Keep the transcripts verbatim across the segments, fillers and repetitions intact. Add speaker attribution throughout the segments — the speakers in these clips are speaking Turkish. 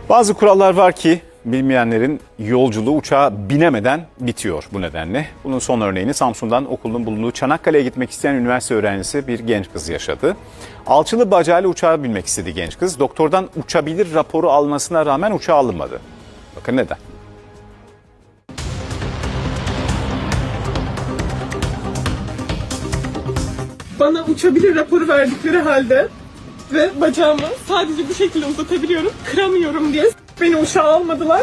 Speaker 1: Bazı kurallar var ki bilmeyenlerin yolculuğu uçağa binemeden bitiyor bu nedenle. Bunun son örneğini Samsun'dan okulun bulunduğu Çanakkale'ye gitmek isteyen üniversite öğrencisi bir genç kız yaşadı. Alçılı bacağıyla uçağa binmek istedi genç kız. Doktordan uçabilir raporu almasına rağmen uçağa alınmadı. Bakın neden?
Speaker 2: Bana uçabilir raporu verdikleri halde ve bacağımı sadece bu şekilde uzatabiliyorum, kıramıyorum diye beni uçağa almadılar.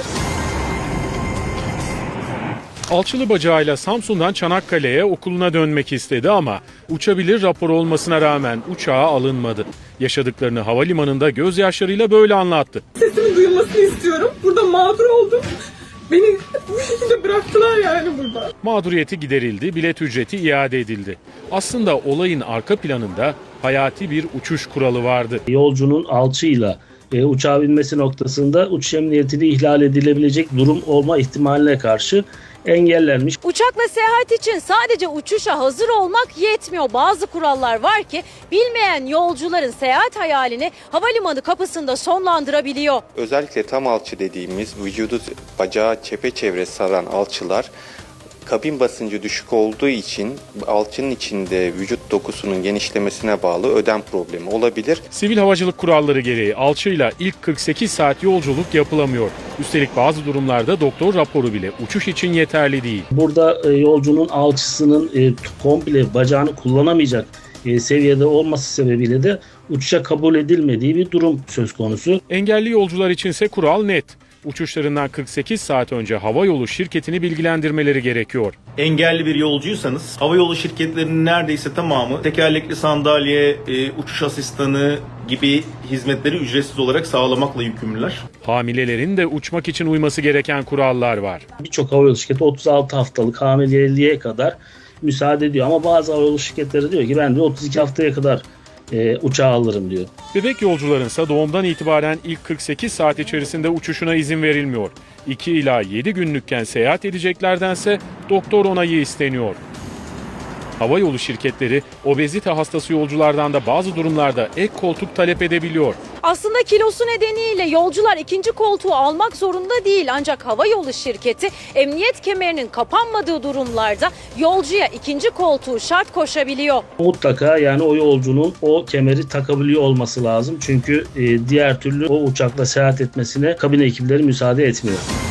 Speaker 3: Alçılı bacağıyla Samsun'dan Çanakkale'ye okuluna dönmek istedi ama uçabilir raporu olmasına rağmen uçağa alınmadı. Yaşadıklarını havalimanında gözyaşlarıyla böyle anlattı.
Speaker 2: Sesimin duyulmasını istiyorum. Burada mağdur oldum. Beni bu şekilde bıraktılar yani burada.
Speaker 3: Mağduriyeti giderildi, bilet ücreti iade edildi. Aslında olayın arka planında hayati bir uçuş kuralı vardı.
Speaker 4: Yolcunun alçıyla e, uçağa binmesi noktasında uçuş emniyetini ihlal edilebilecek durum olma ihtimaline karşı engellenmiş.
Speaker 5: Uçakla seyahat için sadece uçuşa hazır olmak yetmiyor. Bazı kurallar var ki bilmeyen yolcuların seyahat hayalini havalimanı kapısında sonlandırabiliyor.
Speaker 6: Özellikle tam alçı dediğimiz vücudu bacağı çepeçevre saran alçılar kabin basıncı düşük olduğu için alçının içinde vücut dokusunun genişlemesine bağlı ödem problemi olabilir.
Speaker 3: Sivil havacılık kuralları gereği alçıyla ilk kırk sekiz saat yolculuk yapılamıyor. Üstelik bazı durumlarda doktor raporu bile uçuş için yeterli değil.
Speaker 4: Burada e, yolcunun alçısının e, komple bacağını kullanamayacak e, seviyede olması sebebiyle de uçuşa kabul edilmediği bir durum söz konusu.
Speaker 3: Engelli yolcular içinse kural net. Uçuşlarından kırk sekiz saat önce havayolu şirketini bilgilendirmeleri gerekiyor.
Speaker 7: Engelli bir yolcuysanız havayolu şirketlerinin neredeyse tamamı tekerlekli sandalye, e, uçuş asistanı gibi hizmetleri ücretsiz olarak sağlamakla yükümlüler.
Speaker 3: Hamilelerin de uçmak için uyması gereken kurallar var.
Speaker 4: Birçok havayolu şirketi otuz altı haftalık hamileliğe kadar müsaade ediyor ama bazı havayolu şirketleri diyor ki ben de otuz iki haftaya kadar e, uçağa alırım diyor.
Speaker 3: Bebek yolcularınsa doğumdan itibaren ilk kırk sekiz saat içerisinde uçuşuna izin verilmiyor. iki ila yedi günlükken seyahat edeceklerdense doktor onayı isteniyor. Havayolu şirketleri obezite hastası yolculardan da bazı durumlarda ek koltuk talep edebiliyor.
Speaker 5: Aslında kilosu nedeniyle yolcular ikinci koltuğu almak zorunda değil. Ancak havayolu şirketi emniyet kemerinin kapanmadığı durumlarda yolcuya ikinci koltuğu şart koşabiliyor.
Speaker 4: Mutlaka yani o yolcunun o kemeri takabiliyor olması lazım. Çünkü e, diğer türlü o uçakla seyahat etmesine kabin ekipleri müsaade etmiyor.